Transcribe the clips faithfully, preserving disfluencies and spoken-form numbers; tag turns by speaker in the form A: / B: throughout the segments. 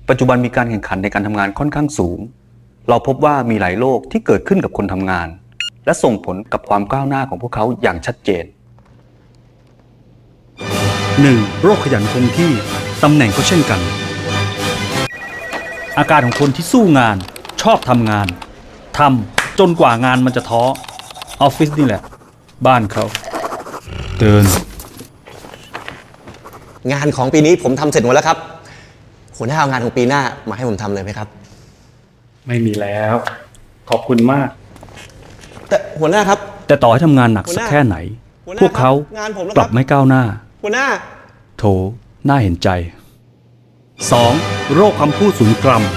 A: ปัจจุบันมีการแข่งขันในการทำงานค่อนข้างสูงเราพบว่ามีหลายโรคที่เกิดขึ้นกับคนทำงานและส่งผลกับความก้าวหน้าของพวกเขาอย่างชัดเจน
B: หนึ่ง. โรคขยันคงที่ตำแหน่งก็เช่นกันอาการของคนที่สู้งานชอบทำงานทำจนกว่างานมันจะท้อออฟฟิศนี่แหละบ้านเขาเตือน
C: งานของปีนี้ผมทำเสร็จหมดแล้วครับหัวหน้าเอางานของปีหน้ามาให้ผมทำเลยไหมครับ
B: ไม่มีแล้วขอบคุณมาก
C: แต่หัวหน้าครับ
B: แต่ต่อให้ทำงานหนักสักแค่ไหนพวกเขากลับไม่ก้าวหน้า
C: หัวหน้า
B: โถน่าเห็นใจ สอง. โรคคำพูดศูนย์กรัม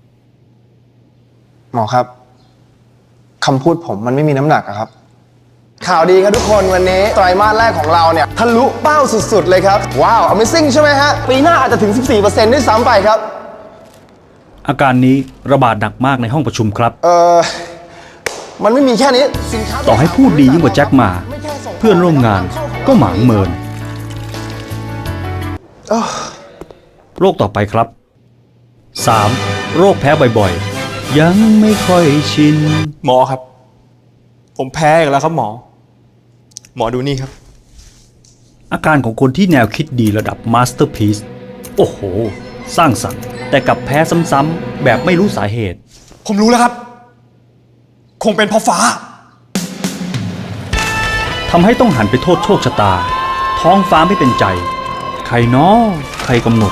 D: หมอครับคำพูดผมมันไม่มีน้ำหนักอะครับข่าวดีครับทุกคนวันนี้ไตรมาสแรกของเราเนี่ยทะลุเป้าสุดๆเลยครับว้าว Amazing ใช่ไหมฮะปีหน้าอาจจะถึง สิบสี่เปอร์เซ็นต์ ด้วยซ้ำไปครับ
B: อาการนี้ระบาดหนักมากในห้องประชุมครับ
D: เออมันไม่มีแค่นี้สินค้า
B: ต่อให้พูดดียิ่งกว่าแจ็คมาเพื่อนร่วมงานก็หมางเมินโรคต่อไปครับ สาม. โรคแพ้บ่อยๆยังไม่ค่อยชิน
E: หมอครับผมแพ้อีกแล้วครับหมอหมอดูนี่ครับ
B: อาการของคนที่แนวคิดดีระดับมาสเตอร์พีซโอ้โหสร้างสรรค์แต่กลับแพ้ซ้ำๆแบบไม่รู้สาเหตุ
E: ผมรู้แล้วครับคงเป็นเพราะฟ้า
B: ทำให้ต้องหันไปโทษโชคชะตาท้องฟ้าไม่เป็นใจใครน้อใครกำหนด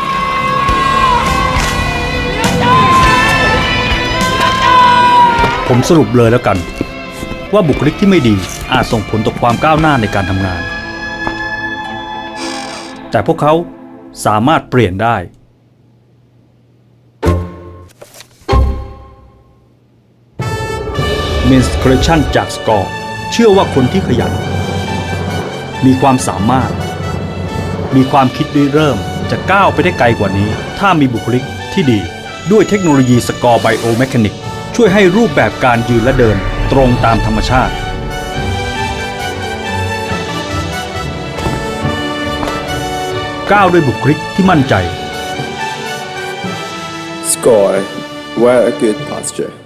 B: ผมสรุปเลยแล้วกันว่าบุคลิกที่ไม่ดีอาจส่งผลต่อความก้าวหน้าในการทำงานแต่พวกเขาสามารถเปลี่ยนได้ Men's Collection จาก Score เชื่อว่าคนที่ขยันมีความสามารถมีความคิดริเริ่มจะก้าวไปได้ไกลกว่านี้ถ้ามีบุคลิกที่ดีด้วยเทคโนโลยี Score Biomechanic ช่วยให้รูปแบบการยืนและเดินตรงตามธรรมชาติก้าวด้วยบุคลิกที่มั่นใจ
F: Score. Wear a good posture.